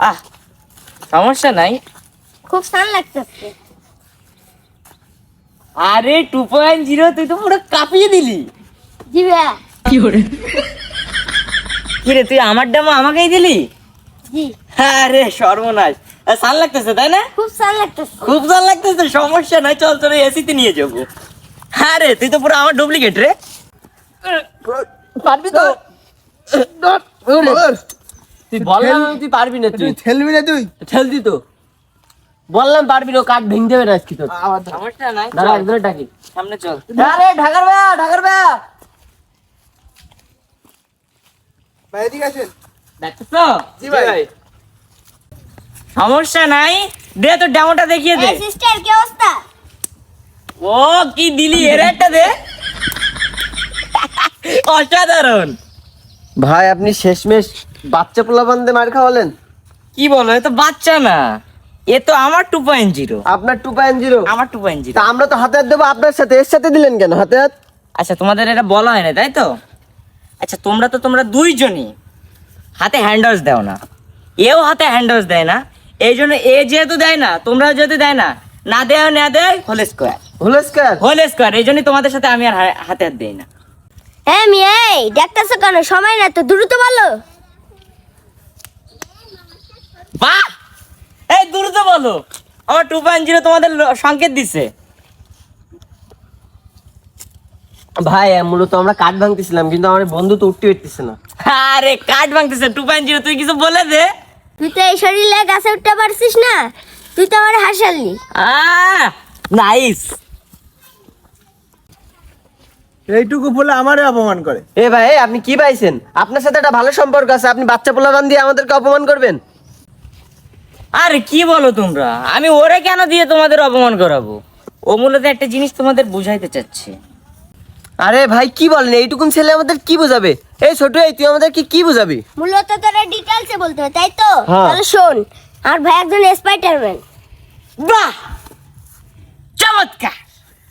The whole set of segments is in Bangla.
আহ সমস্যা নাই। খুব সান লাগতেছে। আরে 2.0 তুই তো পুরো কাঁপিয়ে দিলি। জি ভাইয়া। কি রে তুই আমার ডেমো আমাকেই দিলি? জি। আরে সর্বনাশ, সান লাগতেছে তাই না? খুব সান লাগতেছে। খুব সান লাগতেছে, সমস্যা নাই, চল তোর এসিতে নিয়ে যাবো। আরে তুই তো পুরো আমার ডুপ্লিকেট রে। পারবি তো? তুই বললাম তুই পারবি না, তুই ঠেলবি না, তুই ঠেলতি তো। বললাম পারবি না, কাঠ ভেঙে দেবে আজকে তোর। সমস্যা নাই, দাঁড়া একদম ডাকি সামনে চল। আরে ঢাকার ভাইয়া, ঢাকার ভাইয়া ভাই এদিকে আসেন। দেখছো? জি ভাই। সমস্যা নাই, দে তোর ডেমোটা দেখিয়ে দে। এই সিস্টার কি অবস্থা? ও কি দিলি, এর একটা দে। অসাধারণ। ভাই আপনি শেষমেশ বাচ্চা পোলাপান দিয়ে মার খাওয়ালেন। কি বলো, এ তো বাচ্চা না, এ তো আমার 2.0। আপনার 2.0? আমার 2.0। তা আমরা তো হাতে হাত দেবো আপনার সাথে, এর সাথে দিলেন কেন হাতে হাত? আচ্ছা তোমাদের এটা বলা হয় না তাই তো? আচ্ছা তোমরা দুইজনই হাতে হ্যান্ডওয়াশ দাও না, এও হাতে হ্যান্ডওয়াশ দেয় না, এই জন্য এ যেহেতু দেয় না, তোমরা যেহেতু দেয় না, না দেয় whole square. Whole square? Whole square, এই জন্যই তোমাদের সাথে আমি আর হাতে হাত দিই না। হ্যাঁ মিয়াই দেখতেছো কেন? সময় না তো, দ্রুত বলো। বাহ, এই দ্রুত বলো। আমার 2.0 তোমাদের সংকেত দিচ্ছে। ভাই মূলত আমরা কাঠ ভাঙতেছিলাম, কিন্তু আমার বন্ধু তো উঠতে পারতেছে না। আরে কাঠ ভাঙতেছে 2.0, তুই কিছু বলে দে। তুই তো এই শরীরে গাছে উঠতে পারছিস না, তুই তো আমার হাসালি। নাইস। এইটুকু বলে আমারে অপমান করে। এ ভাই আপনি কি পাইছেন? আপনার সাথে একটা ভালো সম্পর্ক আছে, আপনি বাচ্চা পোলাপান দিয়ে আমাদেরকে অপমান করবেন? আরে কি বলো তোমরা, আমি ওরে কেন দিয়ে তোমাদের অপমান করাবো? ও মূলত একটা জিনিস তোমাদের বুঝাইতে চাচ্ছে। আরে ভাই কি বলেন, এইটুকুন ছেলে আমাদের কি বোঝাবে? এই ছোট, এই তুই আমাদেরকে কি বুঝাবি? মূলত তোরা ডিটেইলসে বলতে হবে তাই তো? হ্যাঁ। তাহলে শোন, আর ভাই একজন স্পাইডারম্যান। বাহ, চমৎকার।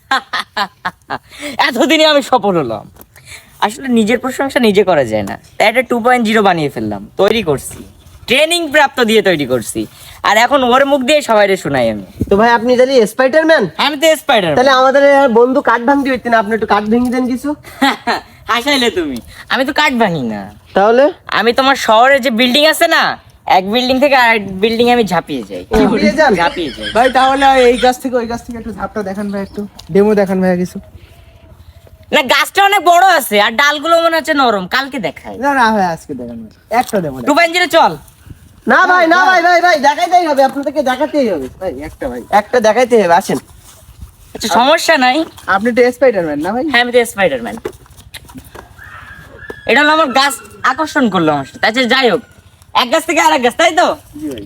এতদিনে আমি সফল হলাম। আসলে নিজের প্রশংসা নিজে করা যায় না, তাই একটা 2.0 বানিয়ে ফেললাম, তৈরি করছি, ট্রেনিং প্রাপ্ত দিয়ে তৈরি করছি, আর এখন ওর মুখ দিয়ে সবাইরে শোনাই আমি। তো ভাই আপনি জানি স্পাইডারম্যান? আমি তো স্পাইডার। তাহলে আমাদের আর বন্ধু কাঠ ভাঙতে পারতেন, আপনি একটু কাঠ ভেঙে দেন কিছু। হাসাইলে তুমি, আমি তো কাঠ ভাঙি না। তাহলে আমি তোমার শহরে যে বিল্ডিং আছে না, এক বিল্ডিং থেকে আরেক বিল্ডিং আমি ঝাঁপিয়ে যাই। ঝাঁপিয়ে যান? ঝাঁপিয়ে যাই। ভাই তাহলে এই গাছ থেকে ওই গাছ থেকে একটু ধাপটা দেখান ভাই, একটু ডেমো দেখান ভাই কিছু। না গাছটা অনেক বড় আছে আর ডালগুলো মনে হচ্ছে নরম, কালকে দেখাই। না না ভাই আজকে দেখান ভাই, একটা ডেমো দেখান। 2.0 চল। না ভাই, না ভাই, ভাই ভাই দেখাইতেই হবে, আপনাদেরকে দেখাতেই হবে ভাই একটা ভাই, একটা দেখাইতে হবে, আসেন। আচ্ছা সমস্যা নাই। আপনি তো স্পাইডারম্যান না ভাই? হ্যাঁ আমি তো স্পাইডারম্যান। এটা হলো আমার গাছ আকর্ষণ করলো আমার সাথে। আচ্ছা যাই হোক, এক গাছ থেকে আরেক গাছ, তাই তো? জি ভাই।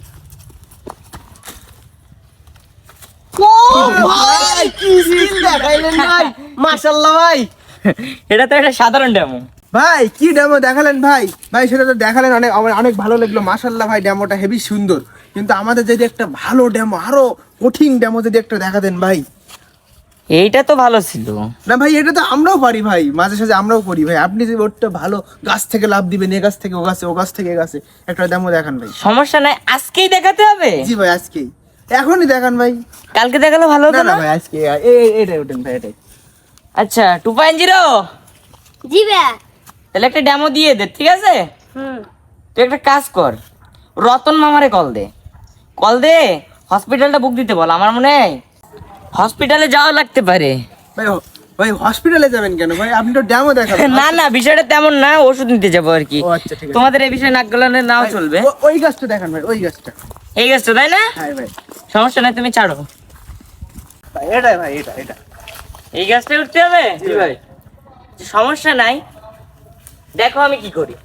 ভাই কি স্কিল দেখাইলেন ভাই, মাশাআল্লাহ ভাই। এটা তো একটা সাধারণ ডেমো। ভাই কি ডেমো দেখালেন ভাই? ভাই সেটা তো দেখালেন, অনেক আমার অনেক ভালো লাগলো, মাশাআল্লাহ ভাই ডেমোটা হেভি সুন্দর। কিন্তু আমাদের যদি একটা ভালো ডেমো, আরো কঠিন ডেমো যদি একটা দেখা দেন ভাই। এইটা তো ভালো ছিল। না ভাই এটা তো আমরাও পারি ভাই, মাঝে সাঝে আমরাও করি ভাই। আপনি যদি ওটা ভালো গাছ থেকে লাভ দিবেন, এ গাছ থেকে ও গাছে, ও গাছ থেকে এ গাছে, একটা ডেমো দেখান ভাই। সমস্যা নাই, আজকেই দেখাতে হবে? জি ভাই আজকেই, এখনই দেখান ভাই। কালকে দেখালে ভালো না হতো না না? ভাই আজকে এটাই ওঠেন ভাই, এটাই। আচ্ছা 2.0 জি ভাইয়া। তাহলে একটা ডেমো দিয়ে দে, ঠিক আছে? তুই একটা কাজ কর, রতন মামারে কল দে, হসপিটালটা বুক দিতে বল। আমার মনে হয় হসপিটালে যাওয়া লাগতে পারে। ভাই ভাই হসপিটালে যাবেন কেন ভাই? আপনি তো ডেমো দেখাবেন। না না বিষয়টা তেমন না, ওষুধ নিতে যাবো আর কি। ও আচ্ছা ঠিক আছে। তোমাদের এই বিষয়ে নাক গলানো নাও ভাই, চলবে। ওই গাছটা দেখান ভাই, ওই গাছটা। এই গাছটা তাই না? হ্যাঁ ভাই, সমস্যা নাই, তুমি ছাড়ো। ভাই এটাই ভাই, এটা এই গাছটা উঠতে হবে? জি ভাই। সমস্যা নাই, দেখো আমি কি করি।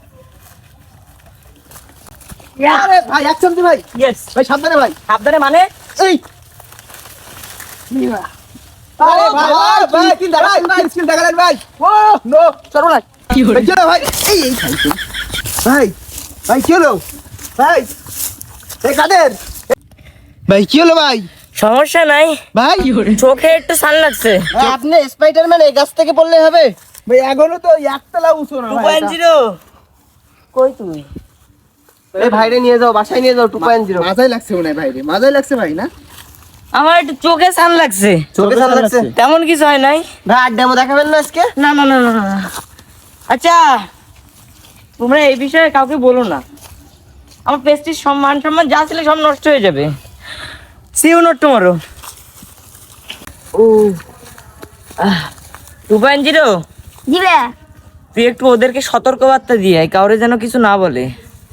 আরে ভাই এক চামচি ভাই, ইয়েস। ভাই সাবধানে ভাই। সাবধানে মানে? এই আরে ভাই ভাই স্কিল দেখালেন ভাই, স্কিল দেখালেন ভাই। ও নো সর্বনাশ, কি হলো ভাই? এই খাই ভাই, ভাই কি হলো ভাই? এই কাদের ভাই, কি হলো ভাই? সমস্যা নাই ভাই চোখে একটু সান লাগছে। ভাই আপনি স্পাইডারম্যান, এই গাছ থেকে পড়লে হবে? ভাই এখনো তো একতলা উঁচু না ভাই এটা। 2.0 কই তুই? এই ভাইরে নিয়ে যাও, বাসায় নিয়ে যাও 2.0। মাজাই লাগছে মনে হয় ভাই রে, মাজাই লাগছে ভাই না? আমার একটু চোখে সান লাগছে। চোখে সান লাগছে? তেমন কিছু হয় নাই। ভাই আড্ডামো দেখাবেন না আজকে? না না না না না। আচ্ছা তোমরা এই বিষয়ে কাউকে বলো না, আমার পেস্টির সম্মান সম্মান যা ছিল সব নষ্ট হয়ে যাবে। See you not tomorrow. ও 2.0 দিবে তুই একটু ওদেরকে সতর্কবার্তা দিয়ে আয়, কাউরে যেন কিছু না বলে।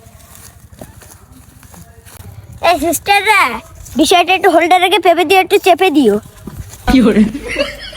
এই সিস্টাররা বিষয়টা একটু হোল্ডারকে ভেবে দিয়ে একটু চেপে দিও।